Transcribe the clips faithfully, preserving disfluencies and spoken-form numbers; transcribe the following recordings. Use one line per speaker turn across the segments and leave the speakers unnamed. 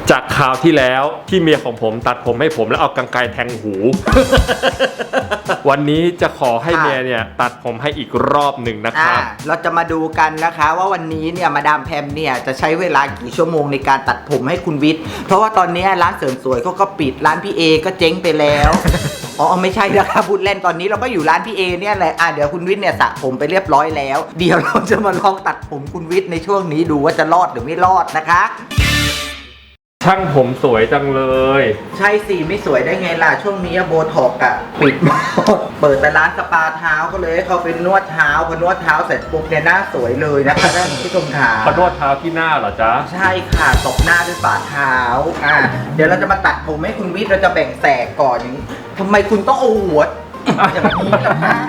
จากคราวที่แล้วที่เมียของผมตัดผมให้ผมแล้วเอากรรไกรแทงหู วันนี้จะขอให้เมียเนี่ยตัดผมให้อีกรอบหนึ่งนะครับ
เราจะมาดูกันนะคะว่าวันนี้เนี่ยมาดามแพมเนี่ยจะใช้เวลากี่ชั่วโมงในการตัดผมให้คุณวิทย์เพราะว่าตอนนี้ร้านเสริมสวยเขาก็ปิดร้านพี่เอก็เจ๊งไปแล้ว อ๋อไม่ใช่นะคะพูดเล่นตอนนี้เราก็อยู่ร้านพี่เอเนี่ยแหละอ่ะเดี๋ยวคุณวิทย์เนี่ยสระผมไปเรียบร้อยแล้วเดี๋ยวเราจะมาลองตัดผมคุณวิทย์ในช่วงนี้ดูว่าจะรอดหรือไม่รอดนะคะ
ช่างผมสวยจังเลย
ใช่สิไม่สวยได้ไงล่ะช่วงนี้โบท็อกอะปิดหมดเปิดแต่ร้านสปาเท้าก็เลยให้เขาไปนวดเท้าพอนวดเท้าเสร็จปุ๊บเนี่ยหน้าสวยเลยนะคะท่านผู้ชมขา
พอนวดเท้าที่หน้าเหรอจ๊ะ
ใช่ค่ะตบหน้าด้วยฝ่าเท้าอ่ะเดี๋ยวเราจะมาตัดผมให้คุณวิทย์เราจะแบ่งแสกก่อนทำไมคุณต้องเอาหัวอย่างนี้ล่ะคะ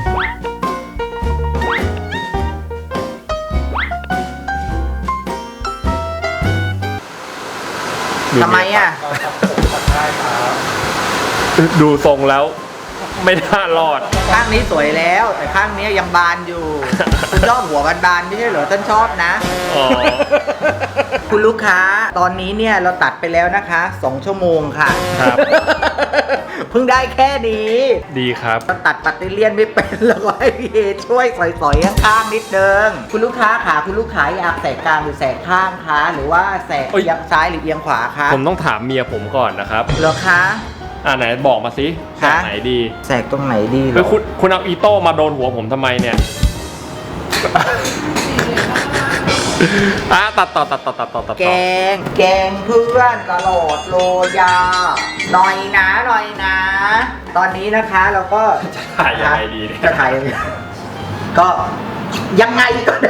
ทำไมอ่ะ
ดูทรงแล้วไม่น่ารอด
ข้างนี้สวยแล้วแต่ข้างนี้ยังบานอยู่คุณชอบหัวบานๆไม่ใช่เหรอท่านชอบนะคุณลูกค้าตอนนี้เนี่ยเราตัดไปแล้วนะคะสองชั่วโมงค่ะครับเพิ่งได้แค่นี้
ดีครับ
เราตัดปัตเตอร์เลียนไม่เป็นแล้วก็ให้พี่เอช่วยสอยๆข้างๆนิดนึงคุณลูกค้าขาคุณลูกค้าอยากแสกกลางหรือแสกข้างคะหรือว่าแสกเอียงซ้ายหรือเอียงขวาคะ
ผมต้องถามเมียผมก่อนนะครับ
เหรอคะ
อ่าไหนบอกมาสิแสกไหนดี
แสกตรงไหนดี
คือคุณคุณเอาอีโต้มาโดนหัวผมทำไมเนี่ยอ่ะตัดต่อตัดต่อตัดต่อตัดต่อ
แกงแกงเพื่อนตลอดโลยาหน่อยนะหน่อยนะตอนนี้นะคะเราก็
จะถ่ายยังไงดีเนี่ย
จะถ่ายก็ยังไงก็ได้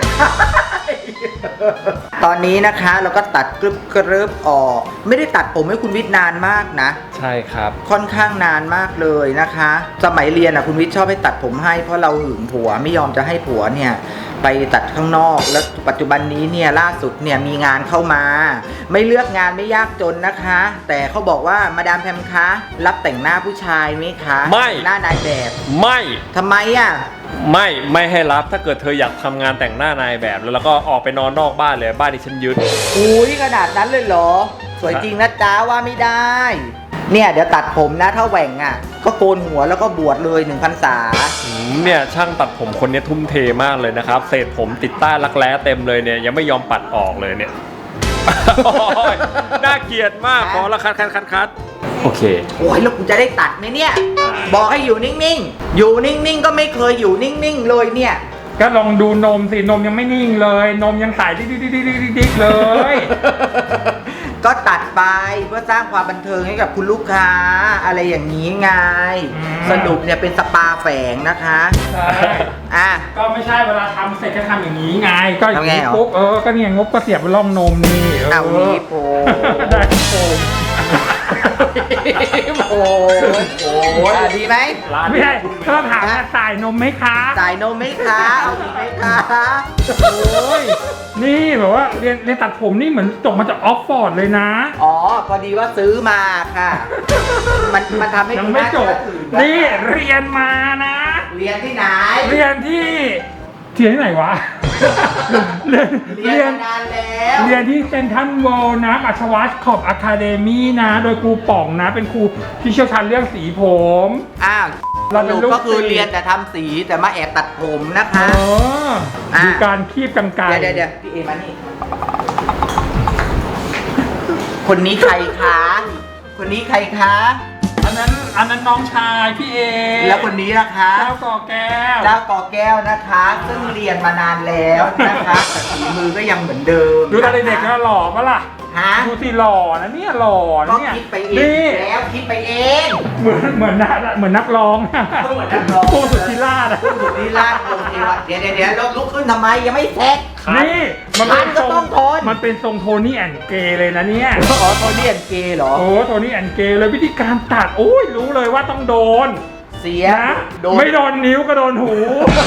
ตอนนี้นะคะเราก็ตัดกรึบกรึบออกไม่ได้ตัดผมให้คุณวิทย์นานมากนะ
ใช่ครับ
ค่อนข้างนานมากเลยนะคะสมัยเรียนอ่ะคุณวิทย์ชอบให้ตัดผมให้เพราะเราหึงผัวไม่ยอมจะให้ผัวเนี่ยไปตัดข้างนอกแล้วปัจจุบันนี้เนี่ยล่าสุดเนี่ยมีงานเข้ามาไม่เลือกงานไม่ยากจนนะคะแต่เขาบอกว่ามาดามแพมคะรับแต่งหน้าผู้ชายไหมคะ
ไม่
หน้านายแบบ
ไม่
ทำไมอ่ะ
ไม่ไม่ให้รับถ้าเกิดเธออยากทำงานแต่งหน้านายแบบแล้วก็ออกไปนอนนอกบ้านเลยบ้านที่ฉันยึด
อุ้ยขนาดนั้นเลยเหรอสวยจริงนะจ๊ะว่าไม่ได้เนี่ยเดี๋ยวตัดผมนะถ้าแหว่งอ่ะก็โกนหัวแล้วก็บวชเลยหนึ่งพรรษา
เนี่ยช่างตัดผมคนนี้ทุ่มเทมากเลยนะครับเศษผมติดใต้รักแร้เต็มเลยเนี่ยยังไม่ยอมปัดออกเลยเนี่ยน่าเกลียดมากขอละคัดคัดคัดคัดโอเค
โอ้ยแล้วคุณจะได้ตัดไหมเนี่ยบอกให้อยู่นิ่งๆอยู่นิ่งๆก็ไม่เคยอยู่นิ่งๆเลยเนี่ย
ก็ลองดูนมสินมยังไม่นิ่งเลยนมยังสายดิ๊กดิ๊กดิ๊กดิ๊กดิ๊กเลย
ก็ตัดไปเพื่อสร้างความบันเทิงให้กับคุณลูกค้าอะไรอย่างนี้ไงสรุปเนี่ยเป็นสปาแฝงนะคะ
ใช่
อ่ะ
ก็ไม่ใช่เวลาทำเสร็จก็ทำอย่างนี้ไงก็อย่างนี้ปุ๊บเออก็เนี่ยงบก็เสียบไปร่องนมนี่
เอานี่โป
ได้โป
โอ้โหดีไหม
ไม่ใช่ถ้าถามว่าสายนมไหมคะ
สายนมไหมคะเอาดีไหมคะ
โอ้ยนี่แบบว่าเรียนเรียนตัดผมนี่เหมือนจบมาจากออกฟอร์ดเลยนะ
อ๋อพอดีว่าซื้อมาค่ะมันมันทำให้
ยังไม่จบนี่เรียนมานะ
เรียนที่ไหน
เรียนที่ที่ไหนวะ
เรียนเรียนนานแล้ว
เรียนที่เซนทรัลเวิลด์นะอัชวัตขอบอะคาเดมี่นะโดยครูป่องนะเป็นครูที่เชี่ยวชาญเรื่องสีผม
อ้าวเราก็คือเรียนแต่ทำสีแต่มาแอบตัดผมนะคะ
อ๋อดูการคีบกรรไกร
เดี๋ยวเดี๋ยวพี่เอมานี่คนนี้ใครคะคนนี้ใครคะ
อันนั้นอันนั้นน้องชายพี่เอ
แล้วคนนี้นะคะ
เจ้าก่อแก้ว
เจ้าก่อแก้วนะคะซึ่งเรียนมานานแล้วนะคะฝีมือก็ยังเหมือนเดิม
ดูตอนเด็กๆก็หล่อปะล่ะ
ฮะ
ดูสิหล่อนะเนี่ยหล่อเนี่ย
คิดไปเองแล้วคิดไปเอง
เหมือนเหมือนนักเหมือนนักร้อง
เหมือนนักร้อง
ผู้สุดที่ล่านะ
ผู้สุดที่ล่าโอเคว่ะเดี๋ยวเดี๋ยวเดี๋ยวลุกขึ้นทำไมยังไม่เสร็จ
นี่
มันเป็นทรง
มันเป็นทรงโทนี่แอนเกย์เลยนะเนี่ย
อ๋อโทนี่แอนเกย์เหรอ
โอ้โทนี่แอนเกย์เลยวิธีการตัดโอ้ยรู้เลยว่าต้องโดน
เสีย
นะไม่โดนนิ้วก็โดนหู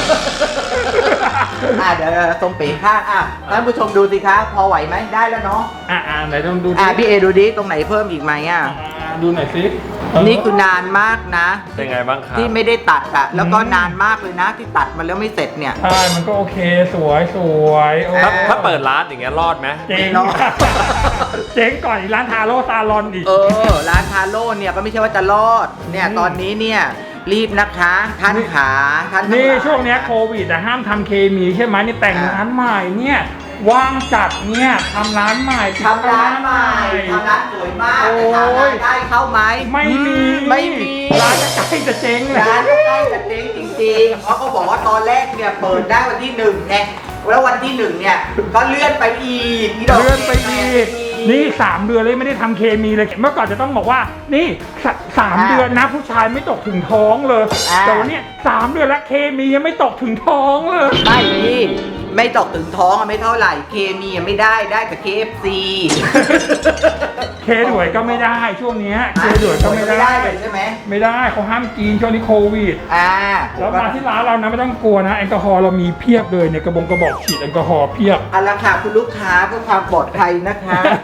อ่ะเดี๋ยวทรงปีกข้างอ่ะท่านผู้ชมดูสิคะพอไหวไหมได้แล้วเนาะ
อ่ะอ่ะไหนต้องดู
อ่ะพี่เอดูดิตรงไหนเพิ่มอีกไหมอ่ะ
ดูหน่อยสิเออ
นี่คือนานมากนะ
เป็นไงบ้างครับ
ที่ไม่ได้ตัดอะแล้วก็
อืม
นานมากเลยนะที่ตัดมาแล้วไม่เสร็จเนี่ย
ใช่มันก็โอเคสวยสวยโอ้
ถ้าถ้าเปิดร้านอย่างเงี้ยรอดไหม
เจ๊ง
เนาะ
เจ๊งก่อนอีกร้านทาโร่ซาลอนอีก
เออ ร้านทาโร่เนี่ยก็ไม่ใช่ว่าจะรอด เนี่ย
อืม
ตอนนี้เนี่ยรีบนะคะท่านขาท่านทั้
นี่
หลาย
ช่วงเนี้ยโควิดแต่ห้ามทำเคมีใช่ไหมนี่แต่งร้านใหม่เนี่ยว่างจัดเนี่ยทำร้านใหม่
ทำร้านใหม่ทำร้านสวยมาก
โอ้
แต่ถาม
ย
รายได้เข้าไหม
ไม่มี
ไม่มี
ร้านจะใกล้จะเจ๊งแล้
ร้านใกล้จะเจ๊งจริงๆเพราะเขาบอกว่าตอนแรกเนี่ยเปิดได้วันที่หนึ่งไงแล้ววันที่หนึ่งเนี่ยก็เลื่อนไปอีกพี่ดก
เลื่อนไปอีกนี่สามเดือนเลยไม่ได้ทำเคมีเลยเมื่อก่อนจะต้องบอกว่านี่สสามเดือนนะผู้ชายไม่ตกถึงท้องเลยแต่วันเนี้ยสามเดือนแล้วเคมียังไม่ตกถึงท้องเลย
ไม่พี่ไม่ตกถึงท้องอะไม่เท่าไหร่เคมีอะไม่ได้ได้แต่ เค เอฟ ซี
เคด่วยก็ไม่ได้ช่วงเนี้ยเคด่วยก็ไม่ได้
เลยใช่ไหม
ไม่ได้เขาห้ามกินช่วงนี้โควิด
อ่า
แล้วมาที่ร้านเรานะไม่ต้องกลัวนะแอลกอฮอล์เรามีเพียบเลยเนี่ยกระบงกระบอกฉีดแอลกอฮอล์เพียบ
เอาละค่ะคุณลูกค้าเพื่อความปลอดภัยนะคะ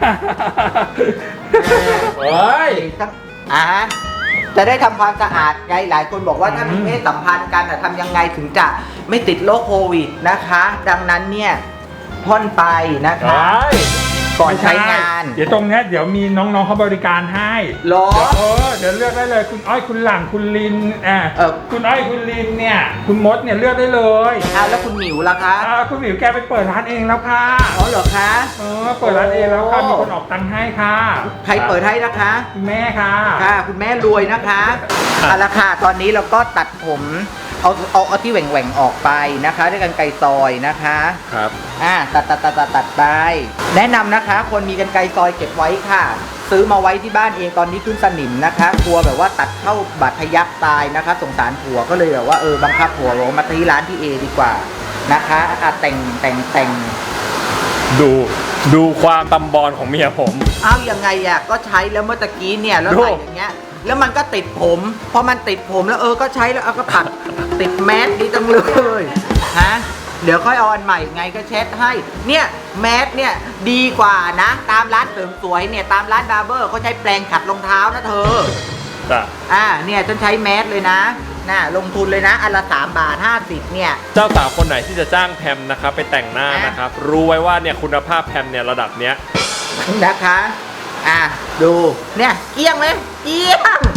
เฮ้ย
ทั้งอ่าจะได้ทำความสะอาดไงหลายคนบอกว่าถ้ามี
อืม
เพศสัมพันธ์กันอะทำยังไงถึงจะไม่ติดโรคโควิดนะคะ ดังนั้นเนี่ยพ่นไปนะคะ ก่อนใช้งาน
เดี๋ยวตรงเนี้ยเดี๋ยวมีน้องๆเขาบริการให้
หรอ
เดี๋ยวเออเดี๋ยวเลือกได้เลยคุณอ้อยคุณหลังคุณลินอ่า
เออ
คุณอ้อยคุณลินเนี่ยคุณมดเนี่ยเลือกได้เลย
อ่าแล้วคุณหมิวล่ะคะ
อ่าคุณหมิวแกไปเปิดร้านเองแล้วค่ะ
อ๋อเหรอคะ
เออเปิดร้านเองแล้วค่ะ
โอ้
มีคนออกตังค์ให้ค่ะ
ใครเปิดให้นะคะ
คุณแม่ค่ะ
ค่ะ คุณแม่รวยนะคะเอาละค่ะตอนนี้เราก็ตัดผมเอาเอาเอาที่แหว่งๆออกไปนะคะด้วยกันไกรซอยนะคะ
ครับ
อ่าตัดตัดตัดตัดตัดไป แนะนำนะคะ คนมีกันไกรซอยเก็บไว้ค่ะ ซื้อมาไว้ที่บ้านเองตอนนี้ขึ้นสนิมนะคะกลัวแบบว่าตัดเข้าบาดทะยักตายนะคะสงสารผัวก็เลยแบบว่าเออบังคับผัวลงมาที่ร้านที่เอดีกว่านะคะอ่ะแต่งแต่งแต่ง
ดูดูความตำบอลของเมียผม
เอายังไงอ่ะก็ใช้แล้วเมื่อตะกี้เนี่ยแล้ว
ดู
ใส่อย่างเงี้ยแล้วมันก็ติดผมพอมันติดผมแล้วเออก็ใช้แล้วเอาก็ปัด ติดแมสดีจังเลยฮะเดี๋ยวค่อยเอาอันใหม่ไงก็เช็ดให้เนี่ยแมสเนี่ยดีกว่านะตามร้านเสริมสวยเนี่ยตามร้านบาร์เบอร์เขาใช้แปรงขัดรองเท้านะเธอ
จ้ะ
อ่าเนี่ยฉันใช้แมสเลยนะน่ะลงทุนเลยนะอันละสามบาทห้าสิบเนี่ย
เจ้าสาวคนไหนที่จะจ้างแพมนะครับไปแต่งหน้า
อ่ะ
นะครับ รู้ไว้ว่าเนี่ยคุณภาพแพมเนี่ยระดับเนี้ย
นะคะอ่ะดูเนี่ยเกลี้ยงไหมเกลี้ยง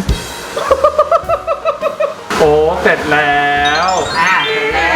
โอ้เสร็จแล้ว
อ่ะเสร็จแล้ว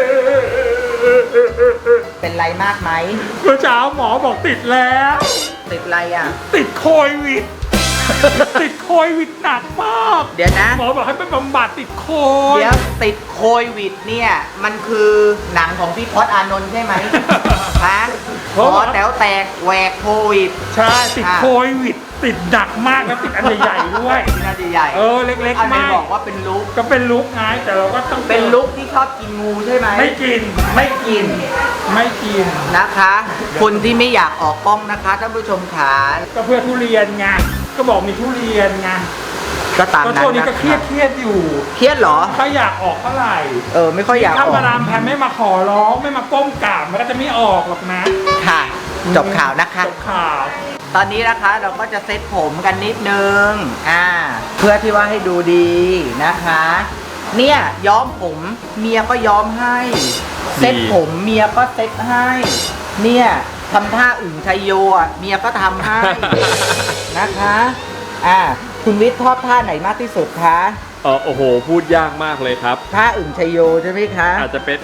เป็นไรมากไหม
เมื่อเช้าหมอบอกติดแล้ว
ติดไรอ่ะ
ติดโควิด ติดโควิดหนักมาก
เดี๋ยวนะ
หมอบอกให้ไปบำบัดติดโควิ
เดี๋
ด
ยวติดโควิดเนี่ย มันคือหนังของพี่พศอานนท์ใช่ไหม ฮะขอแต๋วแตกแหวกโควิด
ใช่ติด
อ่ะ
โควิด ติดหนักมากแล้วติดอันใหญ่ๆด้วย
ที่น่าจะใหญ่
เออเล็ก
อัน
ๆ
ไหน
มาก
บอกว่าเป็นลุก
ก็เป็นลุกไงแต่เราก็ต้อง
เป็นลุกที่ชอบกินงูใช่ไหม
ไม่กิน
ไม่กิน
ไม่กิน
นะคะ คนที่ไม่อยากออกกล้องนะคะท่านผู้ชมขา
ก็เพื่อทุเรียนไงก็บอกมีทุเรียนไง
ก็ตาม
ก็
นั้
ช่วน งนี้
นะ
ก็เครียดเครียดอยู่
เครียดเหรอ
ถ้าอยากออกเท่าไหร่
เออไม่ค่อยอยากอ
ถ้า
อก
มาดามแพมไม่มาขอร้องไม่มาก้มกราบมันก็จะไม่ออกหรอกนะ
ค่ะ จบข่าวนะคะ
จบข่าว
ตอนนี้นะคะเราก็จะเซ็ตผมกันนิดนึง อ่า เพื่อที่ว่าให้ดูดีนะคะ เนี่ยย้อมผมเมียก็ย้อมให้ เซ็ตผมเมียก็เซ็ตให้ เนี่ยทำท่าอึ่งชัยโยอ่ะเมียก็ทำให้ นะคะ อ่า คุณวิทย์ชอบท่าไหนมากที่สุดคะ
เออโอ้โห พูดยากมากเลยครับ
ท่าอึ่งชัยโยใช่ไหมคะ
อาจจะเป็น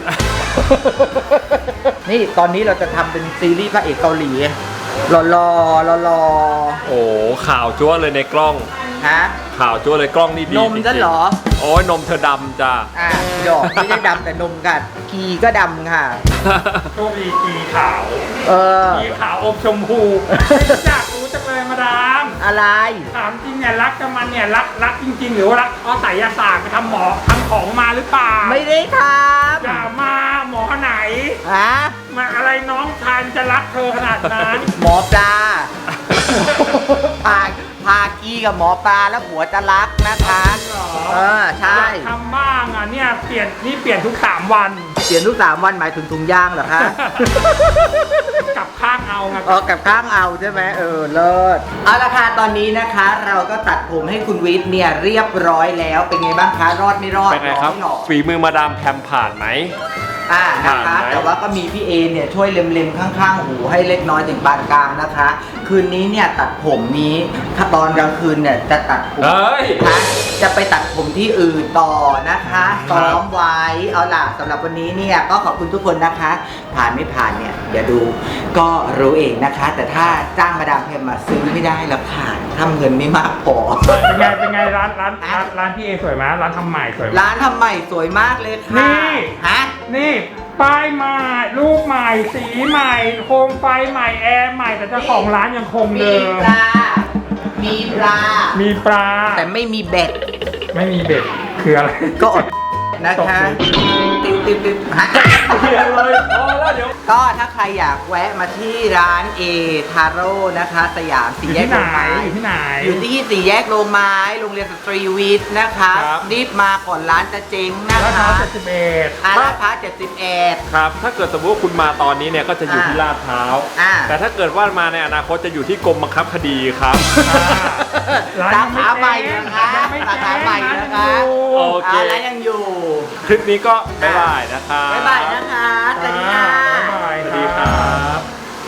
นี่ตอนนี้เราจะทำเป็นซีรีส์พระเอกเกาหลีหล่อๆหล่อ
โอ้ข่าวจั๊วเลยในกล้อง
ๆฮะ
ข่าวจั๊วเลยกล้องนี่ดี
นม
จริงๆ
จะเหรอ
โอ้ยนมเธอดำจ้ะ
อ่ะดอกไม่ได้ดำแต่นมค่ะกีก็ดำค่ะ
โชคดีกีขาว
เออ
กีขาวอมชมพูอยากรู้จังเลยมาดาม
อะไร
ถามจริงเนี่ยรักกับมันเนี่ยรักรักจริง ๆ หรือว่ารักเพราะไสยศาสตร์ไปทำหมอทำของมาหรือเปล่า
ไม่ได้ท
อย่ามาหมอไหน
ำฮะ
มาอะไรน้องชายจะรักเธอขนาดนั้น
หมอปลาพาพากี้กับหมอปลาแล้วผัวจะรักนะคะเออใช่
อยากทำบ้างอ่ะเนี่ยเปลี่ยนนี่เปลี่ยนทุกสามวัน
เปลี่ยนทุกสามวันหมายถึงถุงย่างเหรอคะ
กลับข้างเอาไง
ออกกับข้างเอาใช่ไหมเออเลิศเอาละค่ะตอนนี้นะคะ เราก็ตัดผมให้คุณวิทย์เนี่ยเรียบร้อยแล้วเป็นไงบ้างคะรอดไม่รอด
เป็นไงครับ
หล่อไม่หล่อ
ฝีมือมาดามแพมผ่านไหม
อ่านะคะ
ผ่านไหม
แต่ว่าก็มีพี่เอเนี่ยช่วยเล็มๆข้างๆหูให้เล็กน้อยถึงปานกลางนะคะ คืนนี้เนี่ยตัดผมนี้ถ้าตอนกลางคืนเนี่ยจะตัดผม
เฮ้ย
นะคะจะไปตัดผมที่อื่นต่อนะคะซ้อมไว้เอาล่ะสำหรับวันนี้เนี่ยก็ขอบคุณทุกคนนะคะ ผ่านไม่ผ่านเนี่ยเดี๋ยวดูก็รู้เองนะคะ แต่ถ้าจ้างมาดามแพมมาซื้อไม่ได้แล้วค่ะถ้าเงินไม่มากพอ
เป็นไงเป็นไงร้านร้านร้านร้านพี่เอสวยไหมร้านทำใหม่สวยไหม
ร้านทำใหม่สวยมากเลยค่ะ
นี่
ฮะ
นี่ป้ายใหม่รูปใหม่สีใหม่โคมไฟใหม่แอร์ใหม่แต่เจ้าของร้านยังคง
มี
เดิม
ปลา มีปลา
มีปลา
แต่ไม่มีเบ็ด
ไม่มีเบ็ดคืออะไร
ก็อดนะคะติ๊บติ๊บติ๊บฮะ
เขียนเลยพอแล้วเดี๋ยว
ก็ถ้าใครอยากแวะมาที่ร้านเอทาโร่นะคะ สยาม
อ
สี่
ยู่
แยก
ที่ไหน
โรงไม้
อยู่ที่ไหน
อยู่ที่สี่แยกโรงไม้โรงเรียนสตรีวิทย์นะคะ
ครับ
รีบมาก่อนร้านจะเจ๊งนะ
ราคา
คะ
เจ็ดสิบเอ็ด
อาราคาเจ็ดสิบเอ็ด
ครับ ถ้าเกิดสมมติว่าคุณมาตอนนี้เนี่ยก็จะอยู่ที่
อ่า
ลาดพร้าว
อ่า
แต่ถ้าเกิดว่ามาในอนาคตจะอยู่ที่กรมบังคับคดีครับ
ร้าน
สา
ยังไม่
ขาใหม่
แจ้ง
นะคะ
ยังไม่
สาขาใหม่
แจ้ง
นะคะ
ร้านยังอยู่
โอเค
อ่าร้านยังอยู่
คลิปนี้ก็บ๊ายบายนะครับ
บ๊ายบายนะคะ